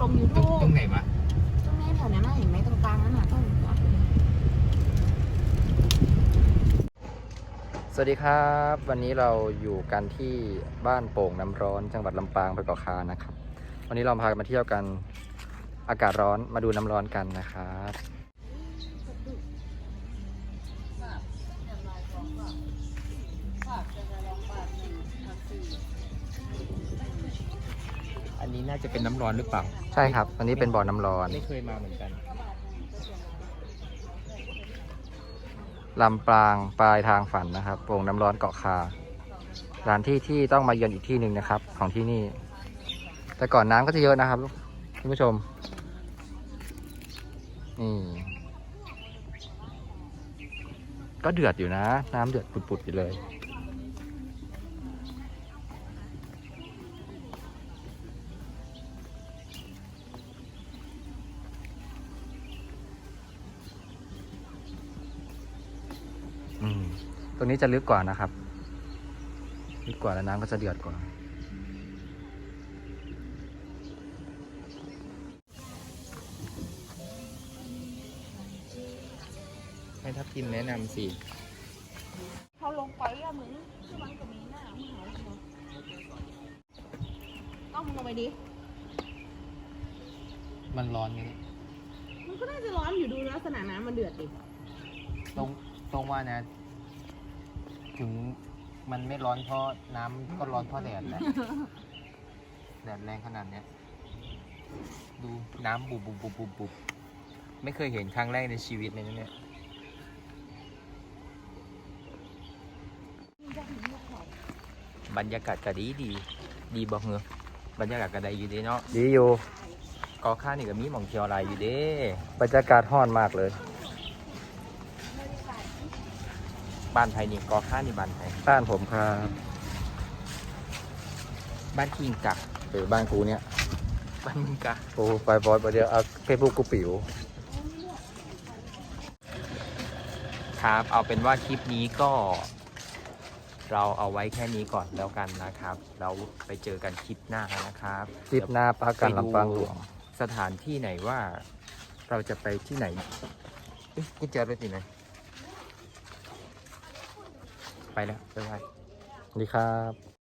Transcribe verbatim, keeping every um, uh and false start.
ลงยูทูบตรงไหนวะตรงนี้แถวนั้นน่ะเห็นไหมตรงกลางนั้นน่ะต้องจอดเลยสวัสดีครับวันนี้เราอยู่กันที่บ้านโป่งน้ำร้อนจังหวัดลำปางไปเกาะคานะครับวันนี้เราพากันมาเที่ยวกันอากาศร้อนมาดูน้ำร้อนกันนะครับอันนี้น่าจะเป็นน้ำร้อนหรือเปล่าใช่ครับวันนี้เป็นบ่อน้ำร้อนไม่เคยมาเหมือนกันลำปางปลายทางฝันนะครับโป่งน้ำร้อนเกาะคาสถานที่ที่ต้องมาเยือนอีกที่หนึ่งนะครับของที่นี่แต่ก่อนน้ำก็จะเยอะนะครับคุณผู้ชมนี่ก็เดือดอยู่นะน้ำเดือดปุดๆอยู่เลยอืมตรงนี้จะลึกกว่านะครับลึกกว่าแล้วน้ำก็จะเดือดกว่าให้ทัพทิมแนะนำสิเขาลงไปอะมึงคือมันก็มีหน้ามึงหาเหรอต้องมึงลงไปดิมันร้อนไหมมันก็น่าจะร้อนอยู่ดูลักษณะน้ำมันเดือดดิตรงตรงว่านะ ถึงมันไม่ร้อนเพราะน้ำก็ร้อนเพราะแดดแหละ แดดแรงขนาดเนี้ยดูน้ำบุบบุบบุบบุบบุบไม่เคยเห็นครั้งแรกในชีวิตเลยนะเนี่ยบรรยากาศก็ดีดีดีบอกเหรอบรรยากาศก็ได้อยู่ดีเนาะดีอยู่กอข้านี่ก็มีหม่องเที่ยวอะไรอยู่เด้บรรยากาศร้อนมากเลยบ้านไทยนี่กอข้านี่บ้านไทยบ้านผมครับบ้านคิงกักหรือบ้านกูเนี่ยบ้านมึงกักกูไปบอยไปเดียวเอาเฟซบุ๊กกูปิ๋วครับเอาเป็นว่าคลิปนี้ก็เราเอาไว้แค่นี้ก่อนแล้วกันนะครับเราไปเจอกันคลิปหน้านะครับคลิปหน้าปากันลำปางหลวงสถานที่ไหนว่าเราจะไปที่ไหนเอ๊ะกุญแจรถที่ไหนไปแล้วบ๊ายบายสวัสดีครับ